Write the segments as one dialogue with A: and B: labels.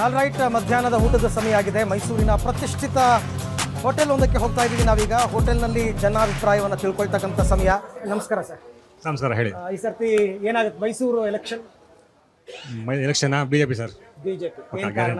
A: All right, ಮಧ್ಯಾಹ್ನದ ಊಟದ ಸಮಯ ಆಗಿದೆ. ಮೈಸೂರಿನ ಪ್ರತಿಷ್ಠಿತ ಹೋಟೆಲ್ ಒಂದಕ್ಕೆ ಹೋಗ್ತಾ ಇದ್ದೀವಿ ನಾವೀಗ. ಹೋಟೆಲ್ನಲ್ಲಿ ಜನಾಭಿಪ್ರಾಯವನ್ನು ತಿಳ್ಕೊಳ್ತಕ್ಕಂಥ ಸಮಯ. ನಮಸ್ಕಾರ ಸರ್.
B: ನಮಸ್ಕಾರ, ಹೇಳಿ.
A: ಈ ಸರ್ತಿ ಏನಾಗುತ್ತೆ Mysuru election?
B: Election BJP sir.
A: BJP. ಏನು ಕಾರಣ?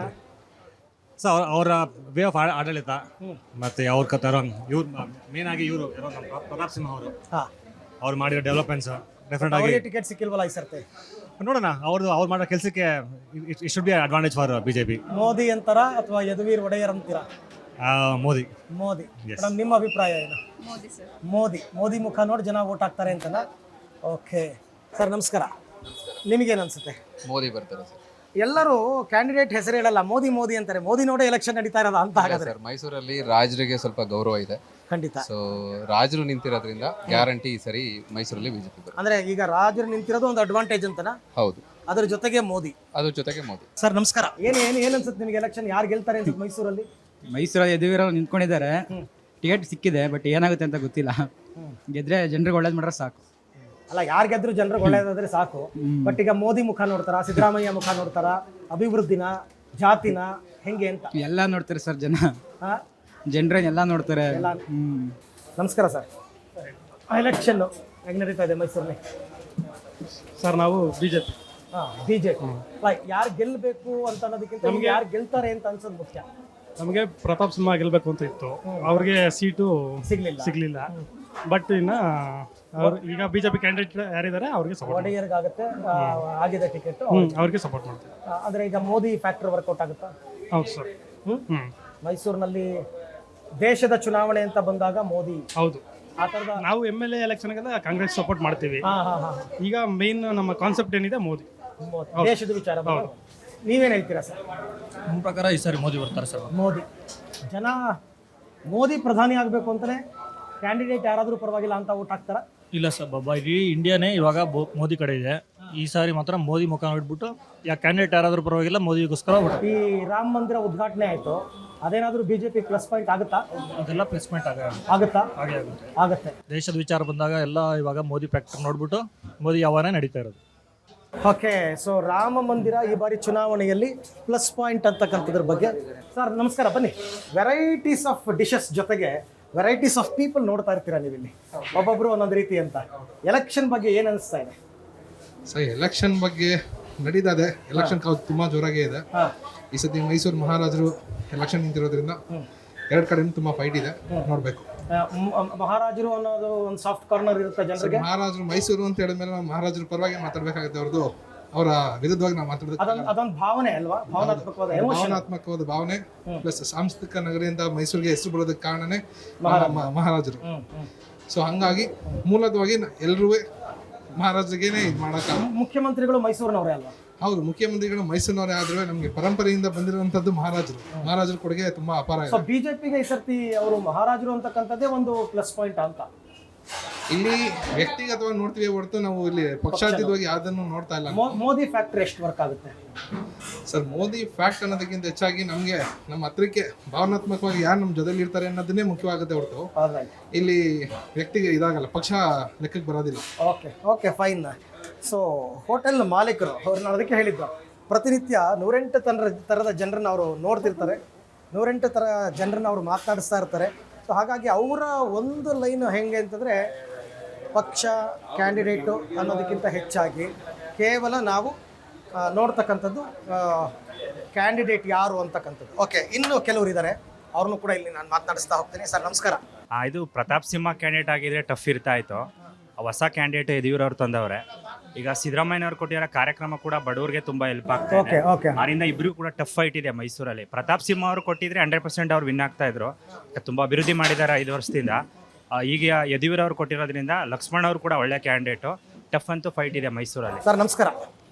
B: ಸರ್ ಅವರ ವೇ ಆಫ್ ಆಡಳಿತ ಮತ್ತೆ ಅವ್ರ ಕತ್ತಾರ ಇವ್ರು ಮೇನ್ ಆಗಿ ಇವರು ಪ್ರತಾಪ್ ಸಿಂಹ ಅವರು
A: ಹಾಂ,
B: ಅವ್ರು ಮಾಡಿರೋ ಡೆವಲಪ್ಮೆಂಟ್ಸ್ ಡೆಫಿನೆಟ್ ಆಗಿ
A: ಅವರಿಗೆ ಟಿಕೆಟ್ ಸಿಕ್ಕಿಲ್ವಲ್ಲ ಈ ಸರ್ತಿ?
B: ನೋಡೋಣ. ಅವ್ರು ಮಾಡೋ ಕೆಲಸಕ್ಕೆ it should be advantage for BJP.
A: Modi ಅಂತಾರ ಅಥವಾ ಯದುವೀರ್ ಒಡೆಯರ್ ಅಂತೀರಾ?
B: ಮೋದಿ.
A: ಮೋದಿ. ಮೇಡಮ್, ನಿಮ್ಮ ಅಭಿಪ್ರಾಯ ಏನು?
C: ಮೋದಿ ಸರ್.
A: ಮೋದಿ ಮುಖ ನೋಡಿ ಜನ ವೋಟ್ ಹಾಕ್ತಾರೆ ಅಂತನಾ? ಓಕೆ ಸರ್, ನಮಸ್ಕಾರ. ನಿಮಗೇನು ಅನ್ಸುತ್ತೆ?
D: ಮೋದಿ ಬರ್ತಾರೆ ಸರ್.
A: ಎಲ್ಲರೂ ಕ್ಯಾಂಡಿಡೇಟ್ ಹೆಸರು ಹೇಳಲ್ಲ, ಮೋದಿ ಅಂತಾರೆ. ಮೋದಿ ನೋಡೇ ಎಲೆಕ್ಷನ್ ನಡೀತಾ ಇರೋದ ಅಂತ ಹಾಗಾದ್ರೆ?
D: ಸರ್, ಮೈಸೂರಲ್ಲಿ ರಾಜರಿಗೆ ಸ್ವಲ್ಪ ಗೌರವ ಇದೆ.
A: ಖಂಡಿತ.
D: ಸೊ ರಾಜರು ನಿಂತಿರೋದ್ರಿಂದ ಗ್ಯಾರಂಟಿ ಈ ಸರಿ ಮೈಸೂರಲ್ಲಿ ಬಿಜೆಪಿ ಬರುತ್ತೆ.
A: ಅಂದ್ರೆ ಈಗ ರಾಜರು ನಿಂತಿರೋದು ಒಂದು ಅಡ್ವಾಂಟೇಜ್ ಅಂತನಾ?
D: ಹೌದು,
A: ಅದ್ರ ಜೊತೆಗೆ ಮೋದಿ.
D: ಅದ್ರ ಜೊತೆಗೆ ಮೋದಿ.
A: ಸರ್ ನಮಸ್ಕಾರ. ಏನು ಅನ್ಸುತ್ತೆ ನಿಮಗೆ? ಎಲೆಕ್ಷನ್ ಯಾರು ಗೆಲ್ತಾರೆ ಅನ್ಸುತ್ತೆ ಮೈಸೂರಲ್ಲಿ?
E: ಮೈಸೂರಲ್ಲಿ ಯದುವೀರವ್ರು ನಿಂತ್ಕೊಂಡಿದ್ದಾರೆ. ಟಿಕೆಟ್ ಸಿಕ್ಕಿದೆ, ಬಟ್ ಏನಾಗುತ್ತೆ ಅಂತ ಗೊತ್ತಿಲ್ಲ. ಗೆದ್ರೆ ಜನರಿಗೆ ಒಳ್ಳೇದು ಮಾಡ್ರೆ ಸಾಕು.
A: ಅಲ್ಲ, ಯಾರು ಗೆದ್ರು ಜನರಿಗೆ ಒಳ್ಳೇದಾದ್ರೆ ಸಾಕು. ಬಟ್ ಈಗ ಮೋದಿ ಮುಖ ನೋಡ್ತಾರ, ಸಿದ್ದರಾಮಯ್ಯ ಮುಖ ನೋಡ್ತಾರ, ಅಭಿವೃದ್ಧಿನ, ಜಾತಿನ, ಹೆಂಗೆ ಅಂತ
E: ಎಲ್ಲ ನೋಡ್ತಾರೆ ಸರ್ ಜನ.
A: ಹಾ?
E: ಜನರನ್ನೆಲ್ಲ ನೋಡ್ತಾರೆ.
A: ನಮಸ್ಕಾರ ಸರ್. ಎಲೆಕ್ಷನ್ ಹೆಂಗೆ ನಡೀತಾ ಇದೆ ಮೈಸೂರಲ್ಲಿ?
F: ಸರ್, ನಾವು ಬಿಜೆಪಿ.
A: ಬಿಜೆಪಿ. ಯಾರು ಗೆಲ್ಲಬೇಕು ಅಂತ ಅನ್ನೋದಕ್ಕಿಂತ ನಮ್ಗೆ ಯಾರು ಗೆಲ್ತಾರೆ ಅಂತ ಅನ್ಸೋದು ಮುಖ್ಯ.
F: ನಮಗೆ ಪ್ರತಾಪ್ ಸಿಂಹ ಗೆಲ್ಬೇಕು ಅಂತ ಇತ್ತು. ಅವ್ರಿಗೆ ಸೀಟು
A: ಸಿಗ್ಲಿಲ್ಲ.
F: ಬಟ್ ಇನ್ನ ಅವ್ರು ಈಗ ಬಿಜೆಪಿ ಕ್ಯಾಂಡಿಡೇಟ್ ಯಾರಿದ್ದಾರೆ ಅವ್ರಿಗೆ ಸಪೋರ್ಟ್
A: ಒಡೆಯರ್ಗಾಗುತ್ತೆ, ಆಗಿದೆ ಟಿಕೆಟ್,
F: ಅವ್ರಿಗೆ ಸಪೋರ್ಟ್ ಮಾಡ್ತೀವಿ.
A: ಅಂದ್ರೆ ಈಗ ಮೋದಿ ಫ್ಯಾಕ್ಟರ್ ವರ್ಕೌಟ್ ಆಗುತ್ತಾ?
F: ಹೌದು ಸರ್.
A: ಮೈಸೂರಿನಲ್ಲಿ ದೇಶದ ಚುನಾವಣೆ ಅಂತ ಬಂದಾಗ ಮೋದಿ.
F: ಹೌದು,
A: ಆ ಥರದ.
F: ನಾವು MLA ಎಲೆಕ್ಷನ್ಗೆಲ್ಲ ಕಾಂಗ್ರೆಸ್ ಸಪೋರ್ಟ್ ಮಾಡ್ತೀವಿ. ಈಗ ಮೇನ್ ನಮ್ಮ ಕಾನ್ಸೆಪ್ಟ್ ಏನಿದೆ ಮೋದಿ.
A: ದೇಶದ ವಿಚಾರ. ನೀವೇನು ಹೇಳ್ತೀರಾ ಸರ್?
G: ನಮ್ಮ ಪ್ರಕಾರ ಈ ಸಾರಿ ಮೋದಿ ಬರ್ತಾರೆ ಸರ್.
A: ಮೋದಿ. ಜನ ಮೋದಿ ಪ್ರಧಾನಿ ಆಗಬೇಕು ಅಂತಲೇ ಕ್ಯಾಂಡಿಡೇಟ್ ಯಾರಾದರೂ ಪರವಾಗಿಲ್ಲ ಅಂತ ಓಟ್ ಹಾಕ್ತಾರ?
G: ಇಲ್ಲ ಸರ್, ಇಡೀ ಇಂಡಿಯಾನೇ ಇವಾಗ ಮೋದಿ ಕಡೆ ಇದೆ. ಈ ಸಾರಿ ಮಾತ್ರ ಮೋದಿ ಮುಖ ನೋಡ್ಬಿಟ್ಟು ಕ್ಯಾಂಡಿಡೇಟ್ ಯಾರಾದರೂ ಪರವಾಗಿಲ್ಲ ಮೋದಿಗೋಸ್ಕರ
A: ಈ ರಾಮ ಮಂದಿರ ಉದ್ಘಾಟನೆ ಆಯಿತು, ಅದೇನಾದರೂ ಬಿಜೆಪಿ ಪ್ಲಸ್ ಪಾಯಿಂಟ್ ಆಗುತ್ತಾ?
G: ಅದೆಲ್ಲ ಪ್ಲೇಸ್ಮೆಂಟ್
A: ಆಗುತ್ತಾ? ಆಗುತ್ತೆ.
G: ದೇಶದ ವಿಚಾರ ಬಂದಾಗ ಎಲ್ಲ ಇವಾಗ ಮೋದಿ ಫ್ಯಾಕ್ಟರ್ ನೋಡ್ಬಿಟ್ಟು ಮೋದಿ ಯಾವಾಗನೇ ನಡೀತಾ ಇರೋದು.
A: ಓಕೆ, ಸೊ ರಾಮ ಮಂದಿರ ಈ ಬಾರಿ ಚುನಾವಣೆಯಲ್ಲಿ ಪ್ಲಸ್ ಪಾಯಿಂಟ್ ಅಂತಕ್ಕಂಥದ್ರ ಬಗ್ಗೆ. ಸರ್ ನಮಸ್ಕಾರ, ಬನ್ನಿ. ವೆರೈಟೀಸ್ ಆಫ್ ಡಿಶಸ್ ಜೊತೆಗೆ ವೆರೈಟೀಸ್ ಆಫ್ ಪೀಪಲ್ ನೋಡ್ತಾ ಇರ್ತೀರಾ ನೀವಿಲ್ಲಿ, ಒಬ್ಬೊಬ್ರು ಒಂದೊಂದು ರೀತಿ ಅಂತ. ಎಲೆಕ್ಷನ್ ಬಗ್ಗೆ ಏನು ಅನಿಸ್ತಾ ಇದೆ?
H: ಸರ್, ಎಲೆಕ್ಷನ್ ಬಗ್ಗೆ ನಡೀತಾ ಇದೆ. ಎಲೆಕ್ಷನ್ ಕಾವು ತುಂಬ ಜೋರಾಗೇ ಇದೆ. ಈ ಸತಿ ಮೈಸೂರು ಮಹಾರಾಜರು ಎಲೆಕ್ಷನ್ ನಿಂತಿರೋದ್ರಿಂದ ಎರಡು ಕಡೆನೂ ತುಂಬ ಫೈಟ್ ಇದೆ. ನೋಡಬೇಕು.
A: ಮಹಾರಾಜರು ಅನ್ನೋದು ಒಂದು ಸಾಫ್ಟ್ ಕಾರ್ನರ್ ಇರುತ್ತೆ ಜನರಿಗೆ.
H: ಮಹಾರಾಜರು ಮೈಸೂರು ಅಂತ ಹೇಳಿದ್ಮೇಲೆ ನಾವು ಮಹಾರಾಜರ ಪರವಾಗಿ ಮಾತಾಡಬೇಕಾಗುತ್ತೆ, ಅವ್ರದ್ದು ಅವರ ವಿರುದ್ಧವಾಗಿ ನಾವು ಮಾತಾಡೋದು.
A: ಅದೊಂದು ಭಾವನೆ ಅಲ್ವಾ?
H: ಭಾವನಾತ್ಮಕವಾದ ಭಾವನೆ ಪ್ಲಸ್ ಸಾಂಸ್ಕೃತಿಕ ನಗರಿ ಅಂತ ಮೈಸೂರಿಗೆ ಹೆಸರು ಬರೋದಕ್ಕೆ ಕಾರಣನೇ ಮಹಾರಾಜರು. ಸೊ ಹಂಗಾಗಿ ಮೂಲದವಾಗಿ ಎಲ್ಲರೂ ಮಹಾರಾಜರಿಗೇನೆ ಇದು ಮಾಡೋಕ್ಕ.
A: ಮುಖ್ಯಮಂತ್ರಿಗಳು ಮೈಸೂರಿನವರೇ ಅಲ್ವಾ?
H: ಹೌದು, ಮುಖ್ಯಮಂತ್ರಿಗಳು ಮೈಸೂರಿನವರೇ ಆದ್ರೆ ನಮಗೆ ಪರಂಪರೆಯಿಂದ ಬಂದಿರುವಂತದ್ದು ಮಹಾರಾಜರ ಕೊಡುಗೆ ತುಂಬಾ ಅಪಾರ ಇದೆ.
A: ಬಿಜೆಪಿಗೆ ಈ ಸರ್ತಿ ಅವರು ಮಹಾರಾಜರು ಅಂತಕ್ಕಂಥದ್ದೇ ಒಂದು ಪ್ಲಸ್ ಪಾಯಿಂಟ್ ಅಂತ.
H: ಇಲ್ಲಿ ವ್ಯಕ್ತಿಗತವಾಗಿ ನೋಡ್ತೀವಿ ಹೊರತು ನಾವು ಇಲ್ಲಿ ಪಕ್ಷಾತೀತವಾಗಿ ಯಾವ್ದನ್ನು ನೋಡ್ತಾ ಇಲ್ಲ.
A: ಮೋದಿ ಫ್ಯಾಕ್ಟರ್ ಎಷ್ಟು ವರ್ಕ್ ಆಗುತ್ತೆ
H: ಸರ್? ಮೋದಿ ಫ್ಯಾಕ್ಟ್ ಅನ್ನೋದಕ್ಕಿಂತ ಹೆಚ್ಚಾಗಿ ನಮಗೆ ನಮ್ಮ ಹತ್ರಕ್ಕೆ ಭಾವನಾತ್ಮಕವಾಗಿ ಯಾರು ನಮ್ಮ ಜೊತೆಲಿ ಇರ್ತಾರೆ ಅನ್ನೋದನ್ನೇ ಮುಖ್ಯವಾಗುತ್ತೆ ಹೊರತು ಇಲ್ಲಿ ವ್ಯಕ್ತಿಗೆ ಇದಾಗಲ್ಲ, ಪಕ್ಷ ಲೆಕ್ಕಕ್ಕೆ ಬರೋದಿಲ್ಲ.
A: Okay fine. ಸೊ ಹೋಟೆಲ್ ಮಾಲೀಕರು ಅವ್ರನ್ನ ಅದಕ್ಕೆ ಹೇಳಿದ್ದು, ಪ್ರತಿನಿತ್ಯ 108 ಥರದ ಜನರನ್ನ ಅವರು ನೋಡ್ತಿರ್ತಾರೆ, 108 ಥರ ಜನರನ್ನ ಅವರು ಮಾತನಾಡಿಸ್ತಾ ಇರ್ತಾರೆ. ಸೊ ಹಾಗಾಗಿ ಅವರ ಒಂದು ಲೈನ್ ಹೆಂಗೆ ಅಂತಂದರೆ, ಪಕ್ಷ ಕ್ಯಾಂಡಿಡೇಟು ಅನ್ನೋದಕ್ಕಿಂತ ಹೆಚ್ಚಾಗಿ ಕೇವಲ ನಾವು ನೋಡ್ತಕ್ಕಂಥದ್ದು ಕ್ಯಾಂಡಿಡೇಟ್ ಯಾರು ಅಂತಕ್ಕಂಥದ್ದು. ಓಕೆ, ಇನ್ನೂ ಕೆಲವರು ಇದ್ದಾರೆ, ಅವ್ರನ್ನೂ ಕೂಡ ಇಲ್ಲಿ ನಾನು ಮಾತನಾಡಿಸ್ತಾ ಹೋಗ್ತೀನಿ. ಸರ್ ನಮಸ್ಕಾರ.
I: ಇದು ಪ್ರತಾಪ್ ಸಿಂಹ ಕ್ಯಾಂಡಿಡೇಟ್ ಆಗಿದ್ರೆ ಟಫ್ ಇರ್ತಾ ಇತ್ತು. ಹೊಸ ಕ್ಯಾಂಡಿಡೇಟ್ ಯದುವೀರವ್ರು ತಂದವ್ರೆ. ಈಗ ಸಿದ್ದರಾಮಯ್ಯನವ್ರು ಕೊಟ್ಟಿರೋ ಕಾರ್ಯಕ್ರಮ ಕೂಡ ಬಡವರಿಗೆ ತುಂಬ ಹೆಲ್ಪ್ ಆಗ್ತಾ ಇದೆ. ಅದರಿಂದ ಇಬ್ಬರಿಗೂ ಕೂಡ ಟಫ್ ಫೈಟ್ ಇದೆ ಮೈಸೂರಲ್ಲಿ. ಪ್ರತಾಪ್ ಸಿಂಹ ಅವರು ಕೊಟ್ಟಿದ್ರೆ 100% ಅವ್ರು ವಿನ್ ಆಗ್ತಾ ಇದ್ರು. ತುಂಬ ಅಭಿವೃದ್ಧಿ ಮಾಡಿದ್ದಾರೆ 5 ವರ್ಷದಿಂದ. ಈಗ ಯದುವೀರವ್ರು ಕೊಟ್ಟಿರೋದ್ರಿಂದ ಲಕ್ಷ್ಮಣ ಅವರು ಕೂಡ ಒಳ್ಳೆ ಕ್ಯಾಂಡಿಡೇಟು. ಟಫ್ ಅಂತೂ ಫೈಟ್ ಇದೆ ಮೈಸೂರಲ್ಲಿ.
A: ಸರ್ ನಮಸ್ಕಾರ,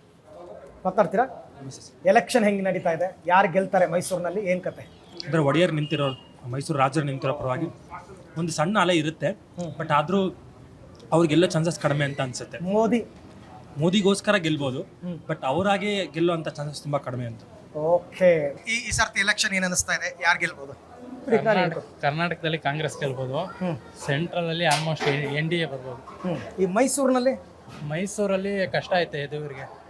A: ಮಾತಾಡ್ತೀರಾ? ಎಲೆಕ್ಷನ್ ಹೆಂಗೆ ನಡೀತಾ ಇದೆ? ಯಾರು ಗೆಲ್ತಾರೆ ಮೈಸೂರಿನಲ್ಲಿ? ಏನು ಕತೆ?
G: ಅಂದರೆ ಒಡೆಯರ್ ನಿಂತಿರೋ, ಮೈಸೂರು ರಾಜರು ನಿಂತಿರೋ ಪರವಾಗಿ ಒಂದು ಸಣ್ಣ ಅಲೆ ಇರುತ್ತೆ. ಬಟ್ ಆದರೂ ಅವ್ರಿಗೆಲ್ಲ ಚಾನ್ಸಸ್ ಕಡಿಮೆ ಅಂತ ಅನ್ಸುತ್ತೆ. ಮೋದಿಗೋಸ್ಕರ ಗೆಲ್ಬೋದು, ಬಟ್ ಅವರಾಗೆ ಗೆಲ್ಲುವಂಥ ಚಾನ್ಸಸ್ ತುಂಬ ಕಡಿಮೆ ಅಂತ.
A: ಓಕೆ, ಈ ಸರ್ತಿ ಎಲೆಕ್ಷನ್ ಏನು ಅನಿಸ್ತಾ ಇದೆ? ಯಾರು ಗೆಲ್ಬೋದು?
J: ಕರ್ನಾಟಕದಲ್ಲಿ ಕಾಂಗ್ರೆಸ್ ಗೆಲ್ಬೋದು. ಸೆಂಟ್ರಲ್ ಅಲ್ಲಿ ಆಲ್ಮೋಸ್ಟ್ NDA ಬರ್ಬೋದು.
A: ಈ ಮೈಸೂರಿನಲ್ಲಿ
J: ಕಷ್ಟ ಐತೆ ಯದುವೀರ್ಗೆ.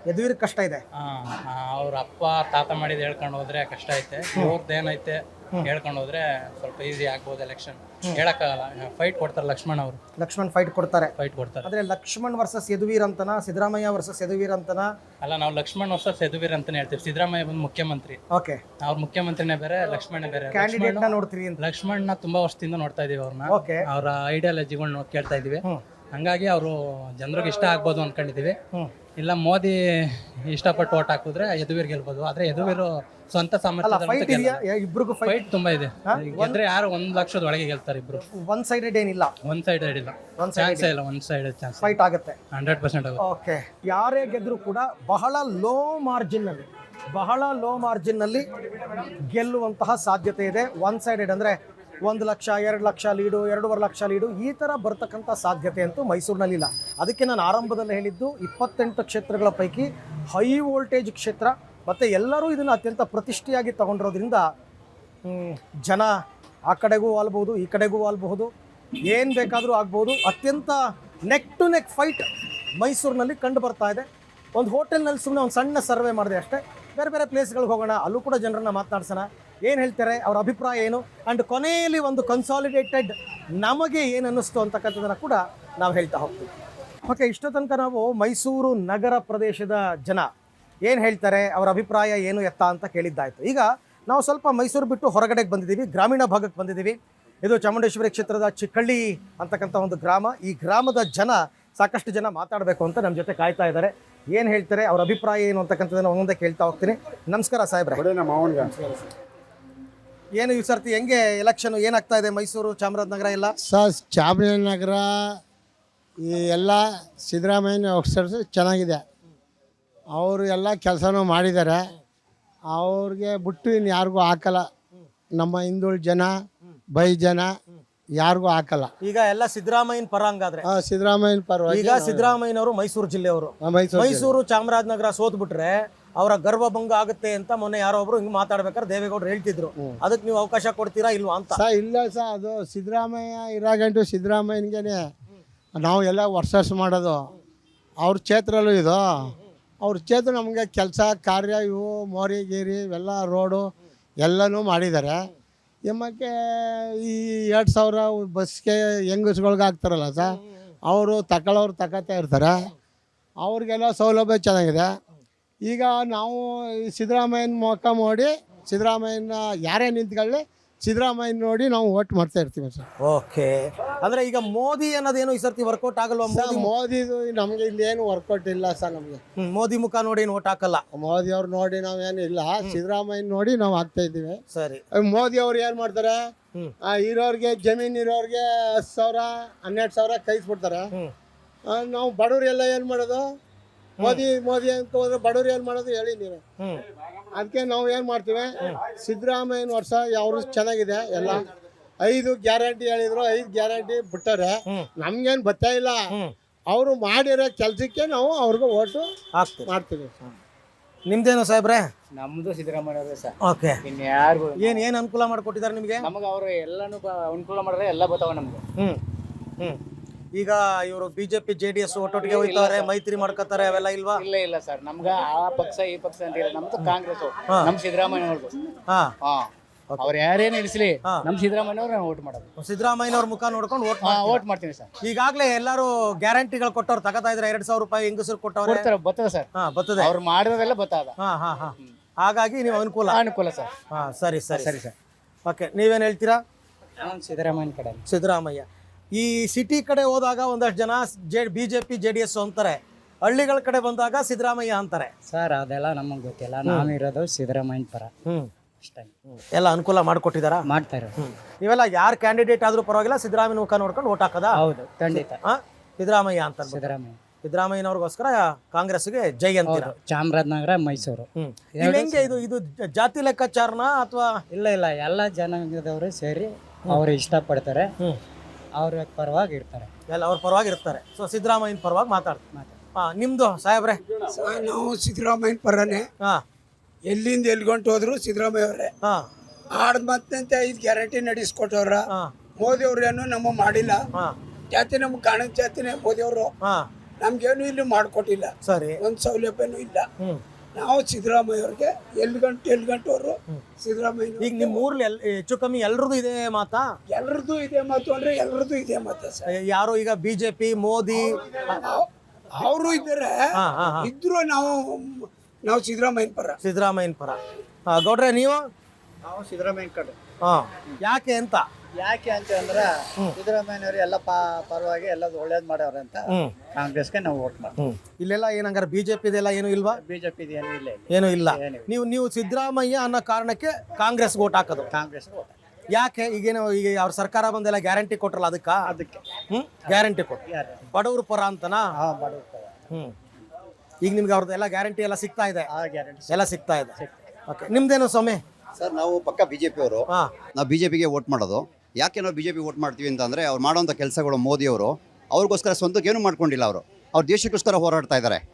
A: ಯದುವೀರ್ ಕಷ್ಟ ಇದೆ.
J: ಅವ್ರ ಅಪ್ಪ ತಾತ ಮಾಡಿದ್ ಹೇಳ್ಕೊಂಡು ಹೋದ್ರೆ ಕಷ್ಟ ಐತೆ. ಇವ್ರದ್ದೇನೈತೆ ಹೇಳ್ಕೊಂಡು ಹೋದ್ರೆ ಸ್ವಲ್ಪ ಈಸಿ ಆಗ್ಬೋದು ಎಲೆಕ್ಷನ್. ಹೇಳಕ್ಕಾಗಲ್ಲ. ಫೈಟ್ ಕೊಡ್ತಾರೆ
A: ಲಕ್ಷ್ಮಣ್ ಫೈಟ್ ಕೊಡ್ತಾರೆ.
J: ಕೊಡ್ತಾರೆ.
A: ಆದ್ರೆ ಲಕ್ಷ್ಮಣ್ ವರ್ಸಸ್ ಯದುವೀರ್ ಅಂತನ, ಸಿದ್ದರಾಮಯ್ಯ ವರ್ಸಸ್ ಯದುವೀರ್ ಅಂತನ?
J: ಅಲ್ಲ, ನಾವು ಲಕ್ಷ್ಮಣ್ ವರ್ಸಸ್ ಯದುವೀರ್ ಅಂತಾನೆ ಹೇಳ್ತೀವಿ. ಸಿದ್ದರಾಮಯ್ಯ ಬಂದು ಮುಖ್ಯಮಂತ್ರಿ.
A: ಓಕೆ,
J: ಅವ್ರ ಮುಖ್ಯಮಂತ್ರಿನೇ ಬೇರೆ, ಲಕ್ಷ್ಮಣ್ ಬೇರೆ.
A: ಕ್ಯಾಂಡಿಡೇಟ್ ನ ನೋಡ್ತೀರಿ ಅಂತ?
J: ಲಕ್ಷ್ಮಣ್ನ ತುಂಬಾ ವರ್ಷದಿಂದ ನೋಡ್ತಾ ಇದೀವಿ ಅವ್ರನ್ನ.
A: ಓಕೆ,
J: ಅವರ ಐಡಿಯಾಲಜಿಗಳನ್ನ ಕೇಳ್ತಾ ಇದೀವಿ. ಹಂಗಾಗಿ ಅವರು ಜನರಿಗೆ ಇಷ್ಟ ಆಗ್ಬೋದು ಅನ್ಕೊಂಡಿದೀವಿ. ಇಲ್ಲ ಮೋದಿ ಇಷ್ಟಪಟ್ಟು ಓಟ್ ಹಾಕಿದ್ರೆ ಯದುವೀರ್ ಗೆಲ್ಬೋದು. ಆದ್ರೆ ಯದುವೀರು ಸ್ವಂತ
A: ಫೈಟ್ ಇದೆಯಾ ಇಬ್ರಿಗೂ?
J: ಫೈಟ್ ತುಂಬಾ ಇದೆ. ಗೆದ್ರೆ ಯಾರು 1 ಲಕ್ಷದ ಒಳಗೆ ಗೆಲ್ತಾರೆ ಇಬ್ರು.
A: ಒನ್ ಸೈಡೆಡ್ ಏನಿಲ್ಲ,
J: ಒನ್ ಸೈಡ್ ಇಲ್ಲ, ಚಾನ್ಸೇ ಇಲ್ಲ. ಒನ್ ಸೈಡ್ ಚಾನ್ಸ್
A: ಫೈಟ್ ಆಗುತ್ತೆ
J: 100% ಆಗುತ್ತೆ.
A: ಓಕೆ, ಯಾರೇ ಗೆದ್ರು ಕೂಡ ಬಹಳ ಲೋ ಮಾರ್ಜಿನ್ ನಲ್ಲಿ ಗೆಲ್ಲುವಂತಹ ಸಾಧ್ಯತೆ ಇದೆ. ಒನ್ ಸೈಡೆಡ್ ಅಂದ್ರೆ 1 ಲಕ್ಷ 2 ಲಕ್ಷ ಲೀಡು, 2.5 ಲಕ್ಷ ಲೀಡು, ಈ ಥರ ಬರ್ತಕ್ಕಂಥ ಸಾಧ್ಯತೆ ಅಂತೂ ಮೈಸೂರಿನಲ್ಲಿಲ್ಲ. ಅದಕ್ಕೆ ನಾನು ಆರಂಭದಲ್ಲಿ ಹೇಳಿದ್ದು 28 ಕ್ಷೇತ್ರಗಳ ಪೈಕಿ ಹೈ ವೋಲ್ಟೇಜ್ ಕ್ಷೇತ್ರ, ಮತ್ತು ಎಲ್ಲರೂ ಇದನ್ನು ಅತ್ಯಂತ ಪ್ರತಿಷ್ಠೆಯಾಗಿ ತಗೊಂಡಿರೋದ್ರಿಂದ ಜನ ಆ ಕಡೆಗೂ ವಾಲ್ಬಹುದು, ಈ ಕಡೆಗೂ ವಾಲ್ಬಹುದು, ಏನು ಬೇಕಾದರೂ ಆಗ್ಬೋದು. ಅತ್ಯಂತ ನೆಕ್ ಟು ನೆಕ್ ಫೈಟ್ ಮೈಸೂರಿನಲ್ಲಿ ಕಂಡು ಬರ್ತಾ ಇದೆ. ಒಂದು ಹೋಟೆಲ್ನಲ್ಲಿ ಸುಮ್ಮನೆ ಒಂದು ಸಣ್ಣ ಸರ್ವೆ ಮಾಡಿದೆ ಅಷ್ಟೇ. ಬೇರೆ ಬೇರೆ ಪ್ಲೇಸ್ಗಳಿಗೆ ಹೋಗೋಣ, ಅಲ್ಲೂ ಕೂಡ ಜನರನ್ನು ಮಾತನಾಡ್ಸೋಣ, ಏನು ಹೇಳ್ತಾರೆ, ಅವ್ರ ಅಭಿಪ್ರಾಯ ಏನು, ಆ್ಯಂಡ್ ಕೊನೆಯಲ್ಲಿ ಒಂದು ಕನ್ಸಾಲಿಡೇಟೆಡ್ ನಮಗೆ ಏನು ಅನ್ನಿಸ್ತು ಅಂತಕ್ಕಂಥದ್ದನ್ನು ಕೂಡ ನಾವು ಹೇಳ್ತಾ ಹೋಗ್ತೀವಿ. ಓಕೆ, ಇಷ್ಟೋ ತನಕ ನಾವು ಮೈಸೂರು ನಗರ ಪ್ರದೇಶದ ಜನ ಏನು ಹೇಳ್ತಾರೆ, ಅವರ ಅಭಿಪ್ರಾಯ ಏನು ಎತ್ತ ಅಂತ ಕೇಳಿದ್ದಾಯಿತು. ಈಗ ನಾವು ಸ್ವಲ್ಪ ಮೈಸೂರು ಬಿಟ್ಟು ಹೊರಗಡೆಗೆ ಬಂದಿದ್ದೀವಿ, ಗ್ರಾಮೀಣ ಭಾಗಕ್ಕೆ ಬಂದಿದ್ದೀವಿ. ಇದು ಚಾಮುಂಡೇಶ್ವರಿ ಕ್ಷೇತ್ರದ ಚಿಕ್ಕಳ್ಳಿ ಅಂತಕ್ಕಂಥ ಒಂದು ಗ್ರಾಮ. ಈ ಗ್ರಾಮದ ಜನ, ಸಾಕಷ್ಟು ಜನ ಮಾತಾಡಬೇಕು ಅಂತ ನಮ್ಮ ಜೊತೆ ಕಾಯ್ತಾ ಇದ್ದಾರೆ. ಏನು ಹೇಳ್ತಾರೆ, ಅವ್ರ ಅಭಿಪ್ರಾಯ ಏನು ಅಂತಕ್ಕಂಥದ್ದನ್ನು ಒಂದೊಂದೇ ಕೇಳ್ತಾ ಹೋಗ್ತೀನಿ. ನಮಸ್ಕಾರ ಸಾಹೇಬ್ರೆ. ಏನು ಈ ಸರ್ತಿ ಹೆಂಗೆ ಎಲೆಕ್ಷನ್ ಏನಾಗ್ತಾ ಇದೆ ಮೈಸೂರು ಚಾಮರಾಜನಗರ ಎಲ್ಲ?
C: ಚಾಮರಾಜನಗರ ಈ ಎಲ್ಲ ಸಿದ್ದರಾಮಯ್ಯನ ಅಕ್ಷರ ಚೆನ್ನಾಗಿದೆ. ಅವರು ಎಲ್ಲ ಕೆಲಸನೂ ಮಾಡಿದ್ದಾರೆ. ಅವ್ರಿಗೆ ಬಿಟ್ಟು ಇನ್ನು ಯಾರಿಗೂ ಹಾಕಲ್ಲ. ನಮ್ಮ ಹಿಂದುಳಿದ ಜನ, ಬೈ ಜನ ಯಾರಿಗೂ ಹಾಕಲ್ಲ.
A: ಈಗ ಎಲ್ಲ ಸಿದ್ದರಾಮಯ್ಯನ ಪರ ಹಂಗಾದ್ರೆ?
C: ಸಿದ್ದರಾಮಯ್ಯನ ಪರ.
A: ಈಗ ಸಿದ್ದರಾಮಯ್ಯನವರು ಮೈಸೂರು ಜಿಲ್ಲೆಯವರು. ಮೈಸೂರು ಚಾಮರಾಜನಗರ ಸೋತ್ಬಿಟ್ರೆ ಅವರ ಗರ್ವಭಂಗ ಆಗುತ್ತೆ ಅಂತ ಮೊನ್ನೆ ಯಾರೋ ಒಬ್ರು ಹಿಂಗೆ ಮಾತಾಡ್ಬೇಕಾದ್ರೆ ದೇವೇಗೌಡರು ಹೇಳ್ತಿದ್ರು. ಅದಕ್ಕೆ ನೀವು ಅವಕಾಶ ಕೊಡ್ತೀರಾ ಇಲ್ವಾ ಅಂತ?
C: ಇಲ್ಲ ಅದು ಸಿದ್ದರಾಮಯ್ಯ ಇರಾಗಂಟು ಸಿದ್ದರಾಮಯ್ಯನಿಗೆ ನಾವು ಎಲ್ಲ ವರ್ಸಸ್ ಮಾಡೋದು. ಅವ್ರ ಕ್ಷೇತ್ರಲ್ಲೂ ಇದು, ಅವ್ರ ಕ್ಷೇತ್ರ ನಮಗೆ ಕೆಲಸ ಕಾರ್ಯ ಇವು ಮೋರಿ ಗೀರಿ ಇವೆಲ್ಲ ರೋಡು ಎಲ್ಲನೂ ಮಾಡಿದ್ದಾರೆ. ಎಮ್ಮಕ್ಕೆ ಈ 2000 ಬಸ್ಗೆ ಹೆಂಗಸ್ಗಳ್ಗೆ ಹಾಕ್ತಾರಲ್ಲ ಅವರು ತಗೊಳ್ತಾ ಇರ್ತಾರೆ. ಅವ್ರಿಗೆಲ್ಲ ಸೌಲಭ್ಯ ಚೆನ್ನಾಗಿದೆ. ಈಗ ನಾವು ಸಿದ್ದರಾಮಯ್ಯನ ಮುಖ ನೋಡಿ, ಸಿದ್ದರಾಮಯ್ಯನ ಯಾರೇ ನಿಂತ್ಕೊಳ್ಳಿ ಸಿದ್ದರಾಮಯ್ಯನ ನೋಡಿ ನಾವು ವೋಟ್ ಮಾಡ್ತಾ ಇರ್ತೀವಿ ಸರ್.
A: ಓಕೆ, ಅಂದರೆ ಈಗ ಮೋದಿ ಅನ್ನೋದೇನು ಈ ಸರ್ತಿ ವರ್ಕೌಟ್ ಆಗಲ್ವಾ?
C: ಮೋದಿದು ನಮಗೆ ಇಲ್ಲೇನು ವರ್ಕೌಟ್ ಇಲ್ಲ ಸರ್. ನಮಗೆ
A: ಮೋದಿ ಮುಖ ನೋಡಿ ಏನು ವೋಟ್ ಹಾಕಲ್ಲ.
C: ಮೋದಿ ಅವ್ರು ನೋಡಿ ನಾವೇನು ಇಲ್ಲ, ಸಿದ್ದರಾಮಯ್ಯನ ನೋಡಿ ನಾವು ಹಾಕ್ತಾ ಇದ್ದೀವಿ.
A: ಸರಿ,
C: ಮೋದಿ ಅವ್ರು ಏನು ಮಾಡ್ತಾರೆ, ಇರೋರಿಗೆ ಜಮೀನು ಇರೋರಿಗೆ 10,000 12,000 ಕೈಸ್ಬಿಡ್ತಾರೆ. ನಾವು ಬಡವ್ರೆಲ್ಲ ಏನು ಮಾಡೋದು? ಮೋದಿ ಅಂತ ಹೋದ್ರೆ ಬಡವ್ರು ಏನು ಮಾಡೋದು ಹೇಳಿ ನೀವು? ಅದಕ್ಕೆ ನಾವು ಏನು ಮಾಡ್ತೀವಿ, ಸಿದ್ದರಾಮಯ್ಯನ ವರ್ಷ ಅವರು ಚೆನ್ನಾಗಿದೆ. ಎಲ್ಲ 5 ಗ್ಯಾರಂಟಿ ಹೇಳಿದ್ರು, 5 ಗ್ಯಾರಂಟಿ ಬಿಟ್ಟಾರೆ. ನಮ್ಗೇನು ಬರ್ತಾ ಇಲ್ಲ. ಅವರು ಮಾಡಿರೋ ಕೆಲಸಕ್ಕೆ ನಾವು ಅವ್ರಿಗೆ ಓಟು ಮಾಡ್ತೀವಿ.
A: ನಿಮ್ದೇನು ಸಾಹೇಬ್ರೆ?
K: ನಮ್ದು ಸಿದ್ದರಾಮಯ್ಯ ಸರ್.
A: ಓಕೆ,
K: ಇನ್ಯಾರಿಗೂ
A: ಏನು ಅನುಕೂಲ ಮಾಡಿಕೊಟ್ಟಿದ್ದಾರೆ ನಿಮಗೆ?
K: ನಮಗೆ ಅವರು ಎಲ್ಲಾನು ಅನುಕೂಲ ಮಾಡಿದ್ರೆ ಎಲ್ಲ ಬರ್ತಾವ ನಮ್ಗೆ.
A: ಈಗ ಇವರು ಬಿಜೆಪಿ JDS ಒಟ್ಟೊಟ್ಟಿಗೆ ಹೋಗ್ತಾರೆ, ಮೈತ್ರಿ ಮಾಡ್ಕೋತಾರೆ, ಅವೆಲ್ಲ ಇಲ್ವಾ?
K: ಇಲ್ಲ ಸರ್, ನಮ್ಗ ಆ ಪಕ್ಷ ಈ ಪಕ್ಷ ಅಂತ ಇಲ್ಲ. ನಮ್ದು ಕಾಂಗ್ರೆಸ್, ನಮ್ ಸಿದ್ದರಾಮಯ್ಯ ಅವ್ರದ್ದು. ಅವ್ರು ಯಾರೇನು ಇಳಿಸ್ಲಿ, ನಮ್ ಸಿದ್ದರಾಮಯ್ಯ ಅವ್ರು ಓಟ್ ಮಾಡೋದು.
A: ಸಿದ್ದರಾಮಯ್ಯನವ್ರ ಮುಖ ನೋಡ್ಕೊಂಡು
K: ಓಟ್ ಮಾಡ್ತೀನಿ ಸರ್.
A: ಈಗಾಗಲೇ ಎಲ್ಲರೂ ಗ್ಯಾರಂಟಿಗಳು ಕೊಟ್ಟವ್ರು ತಗೋತಾ ಇದ್ರೆ 2,000 ರೂಪಾಯಿ ಹೆಂಗಸರು ಕೊಟ್ಟವ್ರು
K: ಬರ್ತದೆ ಸರ್.
A: ಬರ್ತದೆ,
K: ಅವ್ರು ಮಾಡಿರೋದೆಲ್ಲ ಬರ್ತದ.
A: ಹಾಗಾಗಿ ನೀವು ಅನುಕೂಲ
K: ಸರ್.
A: ಸರಿ ಸರ್. ಓಕೆ, ನೀವೇನು ಹೇಳ್ತೀರಾ?
K: ಸಿದ್ದರಾಮಯ್ಯನ ಕಡೆ.
A: ಸಿದ್ದರಾಮಯ್ಯ. ಈ ಸಿಟಿ ಕಡೆ ಹೋದಾಗ ಒಂದಷ್ಟು ಜನ ಬಿಜೆಪಿ JDS ಅಂತಾರೆ, ಹಳ್ಳಿಗಳ ಕಡೆ ಬಂದಾಗ ಸಿದ್ದರಾಮಯ್ಯ ಅಂತಾರೆ.
K: ಸರ್ ಅದೆಲ್ಲ ನಮಗೆ ಗೊತ್ತಿಲ್ಲ, ನಾವಿರೋದು ಸಿದ್ದರಾಮಯ್ಯನ ಪರ ಅಷ್ಟೇ.
A: ಎಲ್ಲ ಅನುಕೂಲ ಮಾಡಿಕೊಟ್ಟಿದಾರ?
K: ಮಾಡ್ತಾರೆ.
A: ನೀವೆಲ್ಲ ಯಾರು ಕ್ಯಾಂಡಿಡೇಟ್ ಆದ್ರೂ ಪರವಾಗಿಲ್ಲ ಸಿದ್ದರಾಮಯ್ಯನ ಮುಖ ನೋಡ್ಕೊಂಡು ಓಟ್ ಹಾಕದ?
K: ಹೌದು, ಖಂಡಿತ
A: ಸಿದ್ದರಾಮಯ್ಯ ಅಂತ.
K: ಸಿದ್ದರಾಮಯ್ಯನವ್ರಿಗೋಸ್ಕರ
A: ಕಾಂಗ್ರೆಸ್ಗೆ ಜೈ ಅಂತೀರ?
K: ಚಾಮರಾಜನಗರ, ಮೈಸೂರು.
A: ಹೆಂಗೆ ಇದು ಜಾತಿ ಲೆಕ್ಕಾಚಾರನ ಅಥವಾ?
K: ಇಲ್ಲ ಎಲ್ಲ ಜನಾಂಗದವರು ಸೇರಿ ಅವ್ರು ಇಷ್ಟಪಡ್ತಾರೆ, ಅವ್ರ ಪರವಾಗಿ ಇರ್ತಾರೆ.
A: ಎಲ್ಲ ಅವ್ರ ಪರವಾಗಿ ಇರ್ತಾರೆ. ಸೊ ಸಿದ್ದರಾಮಯ್ಯನ ಪರವಾಗಿ ಮಾತಾಡ್ತಾರೆ. ನಿಮ್ದು ಸಾಹೇಬ್ರೆ?
L: ನಾವು ಸಿದ್ದರಾಮಯ್ಯನ ಪರನೇ. ಎಲ್ಲಿಂದ ಎಲ್ಗೊಂಡು ಹೋದ್ರು ಸಿದ್ದರಾಮಯ್ಯ ಅವರೇ. ಮತ್ತೆ 5 ಗ್ಯಾರಂಟಿ ನಡೆಸ್ಕೊಟ್ಟವ್ರ. ಮೋದಿ ಅವ್ರು ಏನು ನಮ್ಮ ಮಾಡಿಲ್ಲ. ಜಾತಿ ನಮ್ಗೆ ಕಾಣದ ಜಾತಿನೇ ಮೋದಿ ಅವರು. ನಮ್ಗೇನು ಇಲ್ಲಿ ಮಾಡಿಕೊಟ್ಟಿಲ್ಲ,
A: ಸರಿ.
L: ಒಂದು ಸೌಲಭ್ಯನೂ ಇಲ್ಲ. ನಾವು ಸಿದ್ದರಾಮಯ್ಯ ಅವ್ರಿಗೆ ಎಲ್ಲಿ ಗಂಟವರು ಸಿದ್ದರಾಮಯ್ಯ.
A: ಈಗ ನಿಮ್ಮ ಊರ್ಲಿ ಹೆಚ್ಚು ಕಮ್ಮಿ ಎಲ್ರದ್ದು ಇದೆ ಮಾತಾ?
L: ಎಲ್ರದ್ದು ಇದೆ ಮಾತು ಅಂದ್ರೆ ಎಲ್ರದ್ದು ಇದೆ ಮಾತು ಸರ್.
A: ಯಾರು ಈಗ ಬಿಜೆಪಿ ಮೋದಿ
L: ಅವರು ಇದ್ದಾರೆ, ಇದ್ರು ನಾವು ಸಿದ್ದರಾಮಯ್ಯನ ಪರ.
A: ಸಿದ್ದರಾಮಯ್ಯನ ಪರ. ಗೌಡ್ರೆ ನೀವು?
K: ನಾವು ಸಿದ್ದರಾಮಯ್ಯ ಕಡೆ.
A: ಯಾಕೆ ಅಂತ?
K: ಯಾಕೆ ಅಂತ ಅಂದ್ರೆ ಸಿದ್ದರಾಮಯ್ಯನವರು ಎಲ್ಲ ಪರವಾಗಿ ಎಲ್ಲ ಒಳ್ಳೇದು ಮಾಡ್ಯಾವ್ರೆ ಅಂತ ಕಾಂಗ್ರೆಸ್ಗೆ ನಾವು ವೋಟ್ ಮಾಡ್ತೀವಿ.
A: ಇಲ್ಲೆಲ್ಲ ಏನಂಗಾರೆ ಬಿಜೆಪಿದೆಲ್ಲ ಏನು ಇಲ್ವಾ?
K: ಬಿಜೆಪಿ ಏನು ಇಲ್ಲ,
A: ಏನು ಇಲ್ಲ. ನೀವು ಸಿದ್ದರಾಮಯ್ಯ ಅನ್ನೋ ಕಾರಣಕ್ಕೆ ಕಾಂಗ್ರೆಸ್ ವೋಟ್ ಹಾಕೋದು?
K: ಕಾಂಗ್ರೆಸ್ ವೋಟ್.
A: ಯಾಕೆ? ಈಗ ಅವ್ರ ಸರ್ಕಾರ ಬಂದೆಲ್ಲ ಗ್ಯಾರಂಟಿ ಕೊಟ್ರಲ್ಲ, ಅದಕ್ಕೆ ಗ್ಯಾರಂಟಿ ಕೊಟ್ಟು ಬಡವ್ರ ಪರ ಅಂತನಾ? ಈಗ ನಿಮ್ಗೆ ಅವ್ರದ್ದೆಲ್ಲ ಗ್ಯಾರಂಟಿ ಎಲ್ಲ ಸಿಗ್ತಾ ಇದೆ? ಎಲ್ಲ ಸಿಗ್ತಾ ಇದೆ. ಓಕೆ, ನಿಮ್ದೇನು ಸ್ವಾಮಿ?
M: ಸರ್, ನಾವು ಪಕ್ಕ ಬಿಜೆಪಿ ಅವರು. ನಾವು ಬಿಜೆಪಿಗೆ ವೋಟ್ ಮಾಡೋದು. ಯಾಕೆ ನಾವು ಬಿಜೆಪಿ ವೋಟ್ ಮಾಡ್ತೀವಿ ಅಂತಂದ್ರೆ ಅವ್ರು ಮಾಡೋಂಥ ಕೆಲಸಗಳು, ಮೋದಿ ಅವರು ಅವ್ರಿಗೋಸ್ಕರ ಸ್ವಂತಕ್ಕೆ ಏನು ಮಾಡ್ಕೊಂಡಿಲ್ಲ. ಅವ್ರ ದೇಶಕ್ಕೋಸ್ಕರ ಹೋರಾಡ್ತಾ ಇದ್ದಾರೆ.